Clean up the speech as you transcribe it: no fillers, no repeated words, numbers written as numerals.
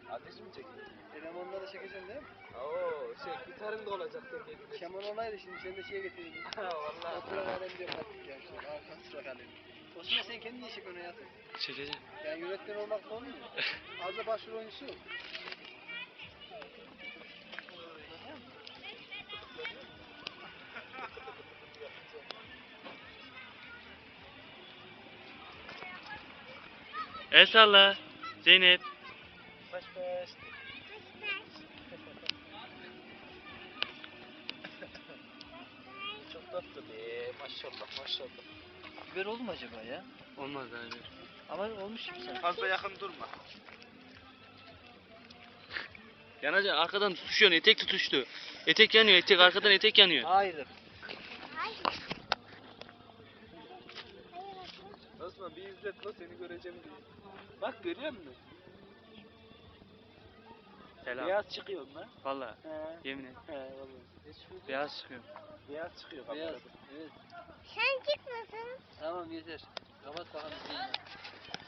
Ateş mi çekiyor? Elemanla da çekeceksin değil mi? Oo gitarın da olacak tek. Keman olaydı şimdi sen de şeye getirdin. Vallahi. Oturan alem diyor kattık ya şöyle. Arkan sıra kalem. Osman sen kendin niye çekiyorsun hayatım? Çekeceğim. Yani yönetmen olmak da olmuyor. Az da başrol oyuncusu yok. El salla. Zeynep. Baş baş. Çok tatlı be. Maşallah maşallah. Biber oldu mu acaba ya? Olmaz abi. Ama olmuş gibi sanki. Fazla yakın durma. Yanacak arkadan tutuşuyor. Etek tutuştu. Etek yanıyor. Etek arkadan etek yanıyor. Hayır. Osman bir izlet la seni göreceğim diye. Bak görüyor musun? Selam. Beyaz çıkıyor lan. Valla. He. Yemin et. He vallahi. Beyaz çıkıyor. Beyaz çıkıyor Beyaz. kamerada. Evet. Sen çıkmasın. Tamam yeter. Kapat bakalım.